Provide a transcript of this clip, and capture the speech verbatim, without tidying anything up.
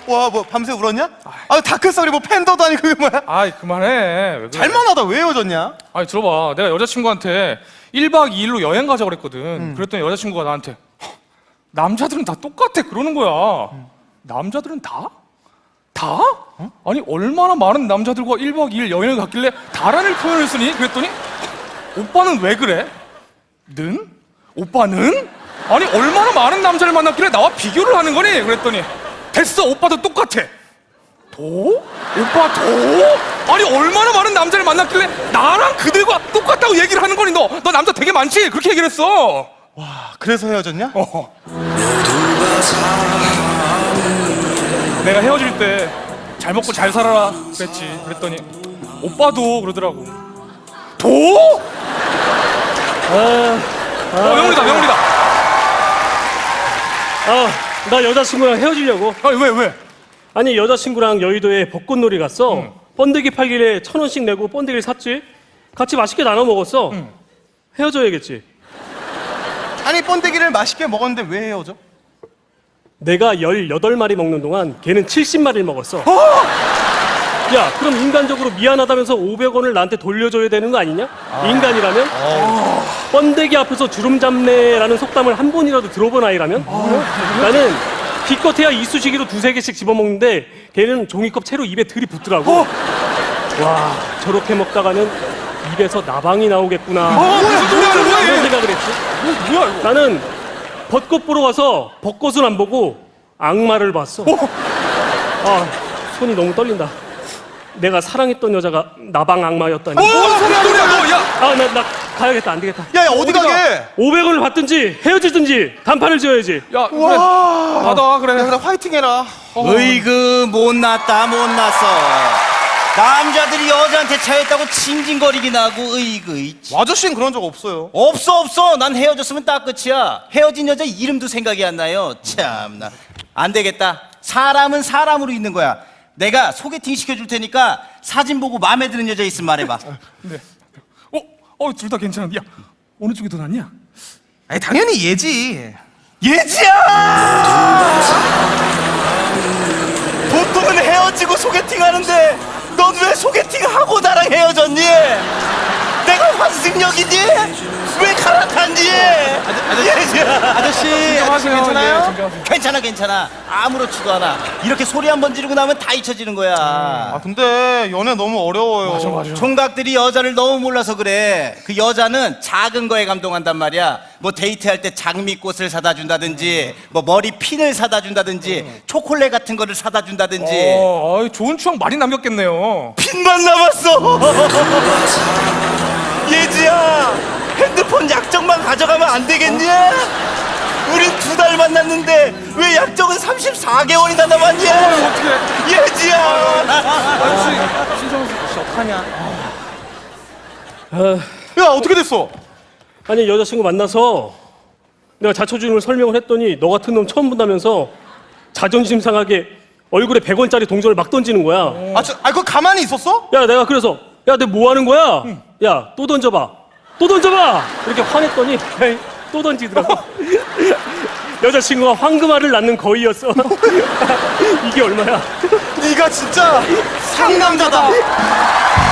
와, 뭐 밤새 울었냐? 아, 다크서리 뭐 팬더도 아니고 그게 뭐야? 아이 그만해. 왜 그래? 잘만하다. 왜 헤어졌냐? 아니 들어봐. 내가 여자친구한테 일 박 이 일로 여행 가자 그랬거든. 음. 그랬더니 여자친구가 나한테 남자들은 다 똑같아 그러는 거야. 음. 남자들은 다? 다? 어? 아니 얼마나 많은 남자들과 일 박 이 일 여행을 갔길래 다라는 표현을 쓰니? 그랬더니 오빠는 왜 그래? 는? 오빠는? 아니 얼마나 많은 남자를 만났길래 나와 비교를 하는 거니? 그랬더니 됐어 오빠도 똑같아. 도? 오빠 도? 아니 얼마나 많은 남자를 만났길래 나랑 그들과 똑같다고 얘기를 하는 거니? 너, 너 남자 되게 많지? 그렇게 얘기를 했어. 와, 그래서 헤어졌냐? 어. 내가 헤어질 때 잘 먹고 잘 살아라 그랬지. 그랬더니 오빠도 그러더라고. 도? 아, 아, 어, 명훈이다 명훈이다. 아, 나 여자친구랑 헤어지려고. 아니 왜 왜? 아니 여자친구랑 여의도에 벚꽃놀이 갔어. 응. 번데기 팔길래 천 원씩 내고 번데기를 샀지. 같이 맛있게 나눠 먹었어. 응. 헤어져야겠지. 아니, 번데기를 맛있게 먹었는데 왜 헤어져? 내가 열여덟 마리 먹는 동안 걔는 칠십 마리를 먹었어. 야, 그럼 인간적으로 미안하다면서 오백 원을 나한테 돌려줘야 되는 거 아니냐? 아. 인간이라면? 아. 번데기 앞에서 주름 잡네라는 속담을 한 번이라도 들어본 아이라면? 아. 나는 기껏해야 이쑤시개로 두세 개씩 집어먹는데 걔는 종이컵 채로 입에 들이붓더라고. 어. 와, 저렇게 먹다가는 입에서 나방이 나오겠구나. 어, 무슨 소리야, 뭐야, 그런 얘. 생각을 했지. 뭐, 뭐야 이거? 나는 벚꽃 보러 가서 벚꽃은 안 보고 악마를 봤어. 어. 아, 손이 너무 떨린다. 내가 사랑했던 여자가 나방 악마였다니. 어, 무슨 소리야 너? 야. 아, 나, 나 가야겠다. 안 되겠다. 야, 야, 어디 가게? 오백 원을 받든지 헤어지든지 단판을 지어야지. 야, 그래. 와. 받아, 그래. 야, 그래, 화이팅 해라. 으이그 못났다 못났어. 남자들이 여자한테 차였다고 징징거리긴 하고 으이그. 아저씨는 그런 적 없어요. 없어 없어. 난 헤어졌으면 딱 끝이야. 헤어진 여자 이름도 생각이 안 나요. 참나. 안 되겠다. 사람은 사람으로 있는 거야. 내가 소개팅 시켜줄 테니까 사진 보고 마음에 드는 여자 있으면 말해봐. 네. 어, 어, 둘 다 괜찮은데. 야, 어느 쪽이 더 낫냐? 아니, 당연히 얘지. 예지야! 보통은 헤어지고 소개팅 하는데 넌 왜 소개팅하고 나랑 헤어졌니? 내가 환승역이니? 왜 갈아탔니? 예지야! 아저씨, 아저씨 괜찮아요? 예, 진정하세요. 괜찮아 괜찮아. 아무렇지도 않아. 이렇게 소리 한 번 지르고 나면 다 잊혀지는 거야. 아, 근데 연애 너무 어려워요. 맞아, 맞아. 총각들이 여자를 너무 몰라서 그래. 그 여자는 작은 거에 감동한단 말이야. 뭐 데이트할 때 장미꽃을 사다 준다든지, 뭐 머리 핀을 사다 준다든지, 초콜릿 같은 거를 사다 준다든지. 어, 아이, 좋은 추억 많이 남겼겠네요. 핀만 남았어. 예지야, 핸드폰 약정만 가져가면 안 되겠니? 우린 두 달 만났는데 왜 약정은 삼십사 개월이나 남았니? 어떻게? 예지야. 아저씨, 신정수 씨 어떡하냐? 아, 야, 어떻게 됐어? 아니 여자친구 만나서 내가 자초지종을 설명을 했더니 너 같은 놈 처음 본다면서 자존심 상하게 얼굴에 백 원짜리 동전을 막 던지는 거야. 아, 저, 아, 그거 가만히 있었어? 야, 내가 그래서 야, 내 뭐 하는 거야? 야, 또 던져봐. 또 던져봐. 이렇게 화냈더니 에이, 또 던지더라고. 여자친구가 황금알을 낳는 거위였어. 이게 얼마야? 네가 진짜 상남자다.